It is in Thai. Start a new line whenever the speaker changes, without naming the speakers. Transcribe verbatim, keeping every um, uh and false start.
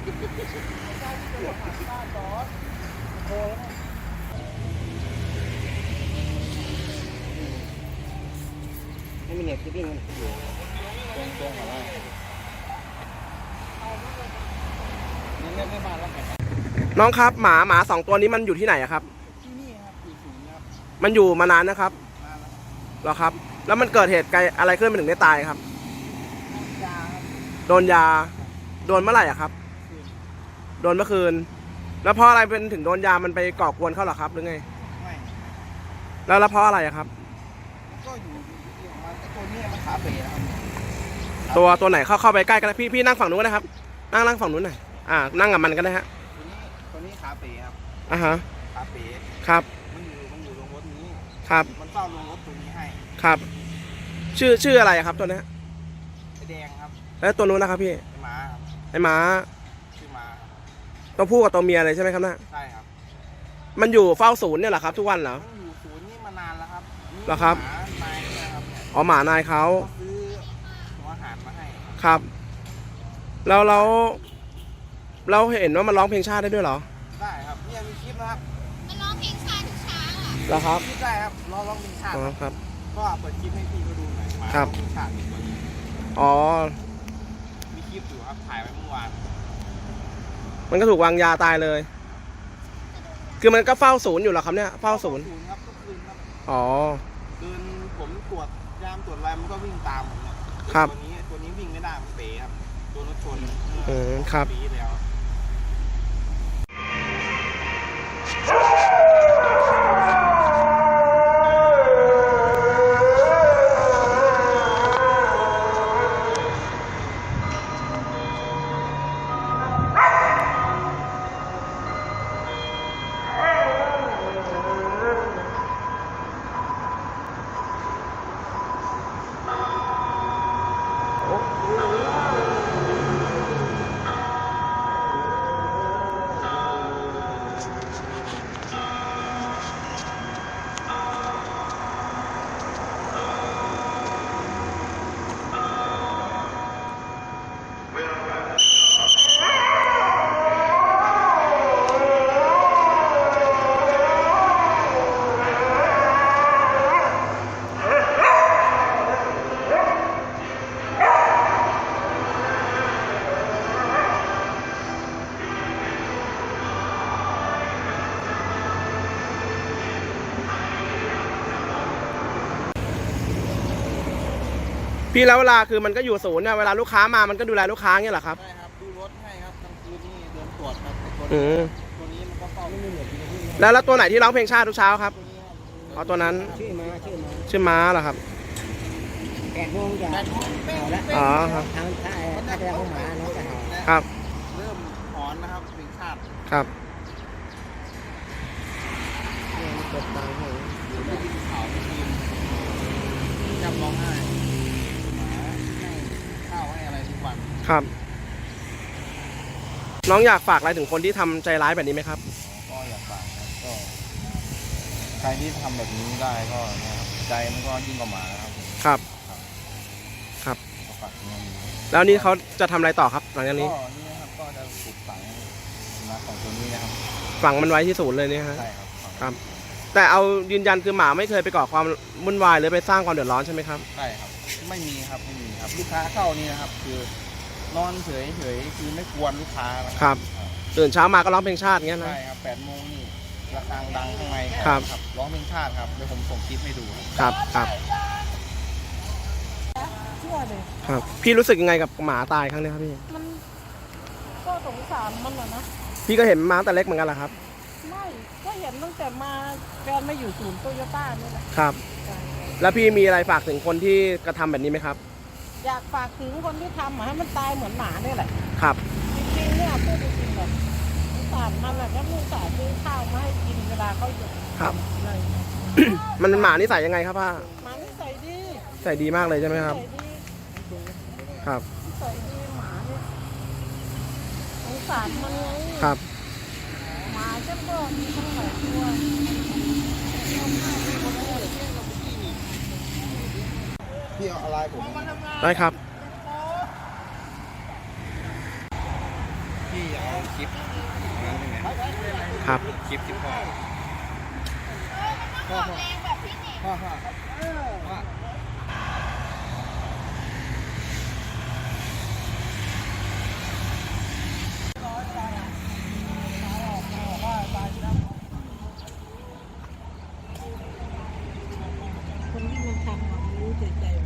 ไม่มีเน็ตที่วิ่งมันอยู่ตรงตรงอะไรนี่เล่นไม่มาแล้วไง
น้องครับหมาหมาสองตัวนี้มันอยู่ที่ไหนครับ
ที่นี่ครับอยู่ศูนย์ครับ
มันอยู่มานานนะครับเหรอครับแล้วมันเกิดเหตุอะไรขึ้นมันถึงได้ตายครับ
ยา
โดนยาโดนเมื่อไหร่อะครับโดนเมื่อคืนแล้วเพราะอะไรเป็นถึงโดนยามันไปก่อกวนเขาหรอครับหรือไงไม่แล้วแล้วเพราะอะไรอะครับ
ก็อยู่ตัวนี้มันขาเป๋ครับ
ตัวตัวไหนเข้าเข้าไปใกล้กันพี่พี่นั่งฝั่งนู้นนะครับนั่งนั่งฝั่งนู้นหน่อยอ่านั่งกับมันกันนะฮะ
ตัวนี้ตัวนี้ขาเป๋ครับ
อ่าฮะ
ขาเป๋
ครับ
มันอยู่มันอยู่ลงรถนี้
ครับ
มันเฝ้าลงรถตัวนี้ให้
ครับชื่อชื่ออะไรครับตัวนี้
ไอแดงครับ
แล้วตัวนู้นนะครับพี่
ไอหมา
ไอหมา
ชื่อหมา
ตัวผู้กับตัวเมียเลยใช่ไหมครับนะ
ใช่ครับ
มันอยู่เฝ้าศูนย์เนี่ยเหรอครับทุกวันเหรอ
มันอยู่ศูนย์นี่มานานแล้วครับ
เหรอครับ
นายนะครับ
อ๋อหมานายเขา
ซื้อหัวอาหารมาให้
ครับแล้วเราเราเห็นว่ามันร้องเพลงชาติได้ด้วยเหรอ
ได้ครับเนี่ยมีคลิปนะครับ
มันร้องเพลงชาติทุกเช้าอ่ะ
เหรอครับ
ได้ครับร้องร้องเพลงชาติ
ครับ
ก็เปิดคลิปให้พี่ก็ดูหน่อยมา
ครับ
เพลงชาติ
อ๋อ
มีคลิปอยู่ครับถ่ายไว้เมื่อวาน
มันก็ถูกวางยาตายเลยคือมันก็เฝ้าศูนย์อยู่เหรอครับเนี่ยเฝ้าศูนย์
ครับทุกคืนครับ
อ๋อ
เดินผมตรวจยามตรวจอะไรมันก็วิ่งตามผมเนี่ยตัวนี้ตัวนี้วิ่งไม่ได้มันเป๋ครับตัวรถชน
อืมครับ
ปีแล้ว
พี่แล้วเวลาคือมันก็อยู่ศูนย์เนี่ยเวลาลูกค้ามามันก็ดูแลลูกค้าเงี้ยเหรอครับ
ใช่ครับดูรถให้ครับกลางคืนนี่เดินตรวจครับ
อืม
ตัวนี้มันก็เฝ้าไม่เหนื่อย
แล้วแล้วตัวไหนที่ร้องเพลงชาติทุกเช้าครับเอาตัวนั้น
ชื่อม้าชื่อม้า
ชื่อม้าเหรอครับ
แปดโมงจะเห่าแล้ว
อ๋อครับ
ทางถ้าถ้าจะเข้ามาน้องจะเห่า
ครับ
เริ่มหอนนะครับเพลงชาติ
ครับ
เปิดตาให้อยู่ไม่กินข้าวไม่กินจำร้องไห้หมาให้ข้าวให้อะไรทุกวัน
ครับน้องอยากฝากอะไรถึงคนที่ทำใจร้ายแบบนี้ไหมครับ
ก็อยากฝากครับก็ใครที่ทำแบบนี้ได้ก็นะครับใจมันก็ยิ่งกว่าหมาครับ
ครับครับแล้วนี่เขาจะทำอะไรต่อครับหลังจากนี้
ก็นี่นะครับก็จะปลูกฝังนะของตัวนี้นะครับ
ฝังมันไว้ที่ศูนย์เลยนี่ฮะ
ใช่ครับ
ครับแต่เอายืนยันคือหมาไม่เคยไปก่อความวุ่นวายหรือไปสร้างความเดือดร้อนใช่ไหมครับ
ใช่ครับไม่มีครับไม่มีครับลูกค้าเข้านี่นะครับคือนอนเฉยเฉยคือไม่กวนลูกค้า
ครับตื่นเช้ามาก็ร้องเพลงชาติเงี้ยนะ
ใช่ครับแปดโมงนี่ระฆังดังข้างใน
ครับ
ร้องเพลงชาติครับเดี๋ยวผมส่งคลิปให้ดู
ครับครับครับพี่รู้สึกยังไงกับหมาตายครั้งนี้ครับพี่
มันก็สงสารมันเหรอนะ
พี่ก็เห็นมาแต่เล็กเหมือนกันเหรอครับ
ไม่ก็เห็นตั้งแต่มาแฟนมาอยู่ศูนย์โตโยต้านี่แหละ
ครับแล้วพี่มีอะไรฝากถึงคนที่กระทำแบบนี้ไหมครับ
อยากฝากถึงคนที่ทำให้มันตายเหมือนหมาเนี่ยแหละ
ครับ
จริงๆเนี่ยพูดจริงๆแบบสงสารมันแหละก็ลูกสาวซื้อข้าวมาให้กินเวลาเขาอยู่
ครับมันเป็นหมานิสัยยังไงครับป้า
หมานิสัยดี
ใส่ดีมากเลยใช่ไหมครับครับ
ใส่ดีหมาเนี่ยสงสารมันไง
ครับ
หมาเจ้าก็มีทั้งหลายตัว
พี่เอาอะไรผม
ได้ครับ
พี่อยากคลิปนั่นไง
ครับ
คลิปที่พ่อพ่อพ่อพ่อพ่อ
คนที่มันทำมันรู้ใจใจ